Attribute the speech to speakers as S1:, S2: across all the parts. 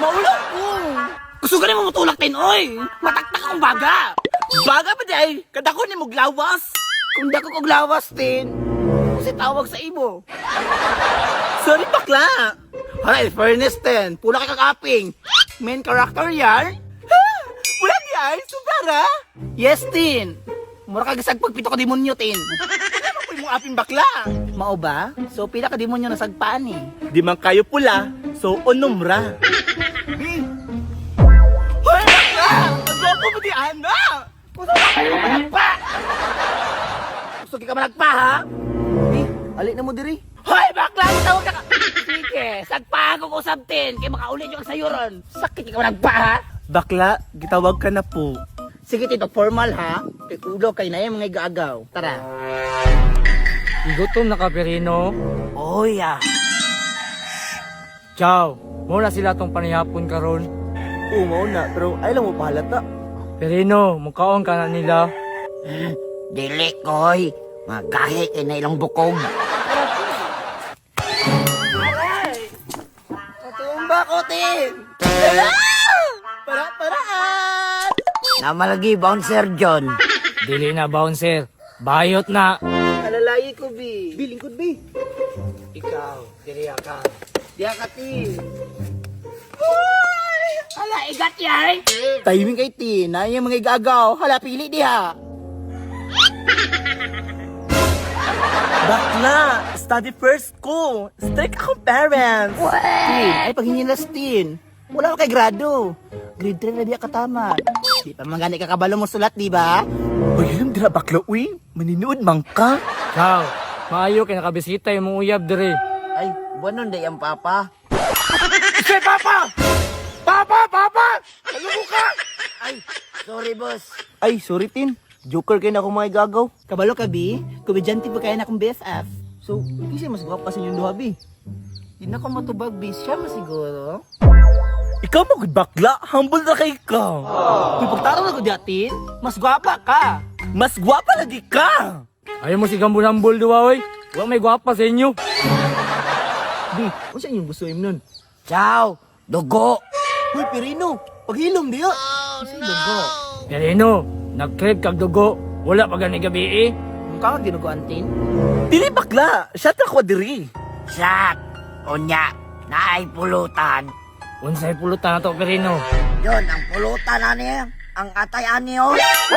S1: Maulog ko! Gusto ka rin mo matulak tin, oy! Mataktak akong baga! Baga ba day? Kada ko ni mo glawas! Kung dako ko glawas tin, kasi tawag sa imo. Sorry bakla! Alright, fairness tin, pula ka kakaping. Main character yan? Ha? Pula di ay, subara? Yes tin! Mura ka gasag pagpito ka demonyo tin. Ano po yung aping bakla? Mao ba? So pila ka demonyo nasagpaan eh. Di man kayo pula, so onumra. Hoy bakla! Magwapo mo di ana! Gusto ka kayo managpa! Gusto ka managpa ha?
S2: Alik na mo diri.
S1: Hoy bakla! Tawag ka! Sige, sagpa ako ko sabtin kaya makaulit yung sayuron. Sakit ka managpa ha?
S2: Bakla, gitawag ka na po.
S1: Sige tito, formal ha? Ulo kay na yung mga igaagaw. Tara.
S3: Gutom na ka, Perino.
S1: Oh yeah.
S3: Ciao. Muna sila tong panihapon karon.
S2: Oo, mauna, pero ay lang mo pahalata.
S3: Perino, mukhaon ka na nila.
S1: Dili koy. Magahe kay na ilang bukog. Aray! Katumba ko, Tin! Para-paraan!
S2: Namalagi, bouncer John.
S3: Dili na, bouncer. Bayot na.
S1: Alalayi ko, Bi.
S2: Bi, lingkod, Bi.
S3: Ikaw, dili ka.
S1: Diya ka, Tin. Hoy! Ala, igat yay!
S2: Timing kay Tina, yung mga igagaw. Hala, pili diha. Bakla, study first ko. Strict akong parents.
S1: Tin, ay paghinilas, Tin. Wala ka kay grado. Grade 3 na diya katama. Di pa man gani kakabalo mo sulat, di ba?
S2: Uy, alam dira bakla, uy. Maninood man ka.
S3: Ciao. Maayo kay nakabisita yung mga uyab diri.
S2: Ay, buwanon day ang papa.
S1: Say, Papa! Papa! Papa! Kalubo ka!
S2: Ay, sorry boss. Ay, sorry Tin. Joker kayo na akong mga igagaw.
S1: Kabalo ka, Bi? Komedyante pa kaya na akong BFF.
S2: So, kasi mas gwapa sa inyong duha, Bi.
S1: Di na ko matubag, Bi. Siya mo siguro.
S2: Ikaw mo bakla, humble na kay ka.
S1: Uy, pagtaro na ko diyatin, mas gwapa ka.
S2: Mas gwapa lagi ka.
S3: Ayaw mo si gambul-hambul duwa, oy. Wala may gwapa sa inyo.
S2: Bi, kung saan yung gusto nun?
S1: Ciao! Dugo!
S2: Uy, Pirino, paghilom diya.
S1: Kasi dugo.
S3: Perino, nag-crib kag dugo. Wala pa gani gabi eh.
S1: Mukha ka ginuguan, Tin?
S2: Dili bakla, shot na kwadiri.
S1: Shot! Unya, naay pulutan.
S3: Unsay pulutan na to, Perino.
S1: Yun, ang pulutan na niya. Ang atay ani, oh.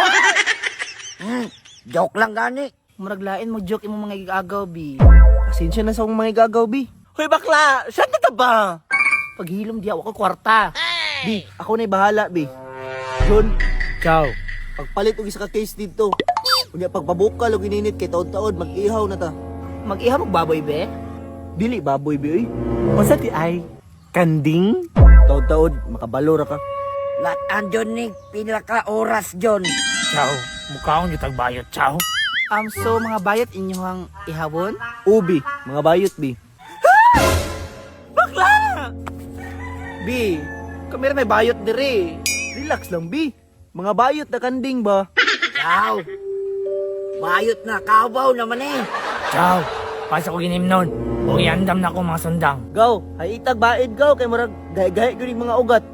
S1: Joke lang gani. Muraglain mo joke imo mga igagaw, Bi.
S2: Pasensya na sa akong mga igagaw, Bi. Hoy bakla, shot na ta ba?
S1: Paghilom diya, ako kwarta.
S2: Bi, ako na'y bahala, Bi. John,
S3: Ciao.
S2: pagpalit og isa ka case dito. Kunya pagpabukal og ininit kay taod-taod mag-ihaw na ta.
S1: Mag-iha magbaboy, be?
S2: Dili baboy bi oy. Unsa ti ay? Kanding? Taod-taod makabalo ra ka.
S1: Latan, John, ni. Pila ka oras, John.
S3: Ciao. Mukhaon gitag bayot, ciao.
S1: So, mga bayat inyong ihawon?
S2: Ubi, mga bayot bi.
S1: Bakla! Bi, kamera may bayot dire.
S2: Relax lang bi. Mga bayot na kanding ba?
S1: Ciao. Bayot na, kabaw naman eh.
S3: Ciao. Pasa ko ginim nun. O iandam na ko mga sundang.
S2: Gaw, ay itag baid gaw kay murag gahi-gahi gyud yung mga ugat.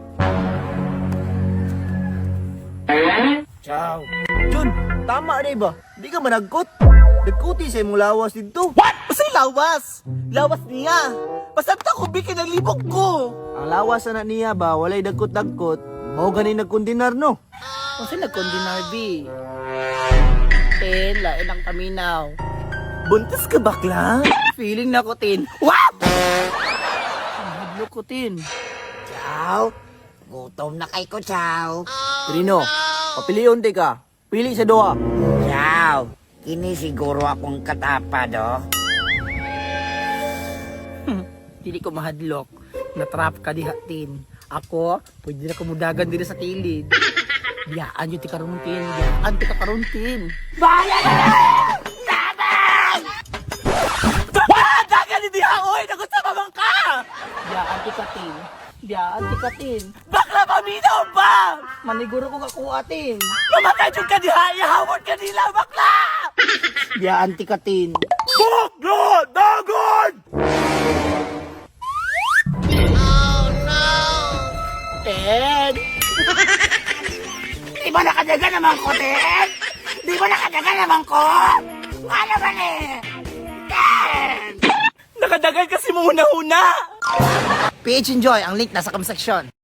S3: Ciao.
S2: Jun, tama rin ba? Di ka managkot. Nagkuti sa imong lawas dito.
S1: What? Masay lawas? Lawas niya. Pasabta ko, Bi, kinalibog ko.
S2: Ang lawas na niya ba, walay dagkot-dagkot. Mao gani nagkundinar no.
S1: Kasi nagkondinar, Bi. Tin, lain ang paminaw.
S2: Buntis ka bakla?
S1: Feeling na ko, Tin. What? Mahadlo ko, Tin.
S4: Chow, gutom na kay ko, Chow.
S2: Trino, papiliyon di ka. Pili sa duha.
S4: Chow, kini siguro akong katapa, do.
S1: Hindi ko mahadlok. Natrap ka diha, Tin. Ako, pwede na kumudagan dito sa kilid. Biyaan yung tikaruntin. Biyaan tikaruntin. Bayan na! Tabang! Wala! Dagan ni diha, oy! Nagusabaman ka! Biyaan tikatin. Biyaan tikatin. Bakla paminaw ba? Maniguro ko kakuha, Tin. Mamatay yung ka diha! Ihawon ka nila, bakla! Biyaan tikatin. Bakla! Dagan! Ten? Di ba nakadaga naman ko, Ten? Di ba nakadaga naman ko? Ano ba ni? Ten!
S2: Nakadagan kasi mo una-una!
S1: PH Enjoy, ang link nasa comment section.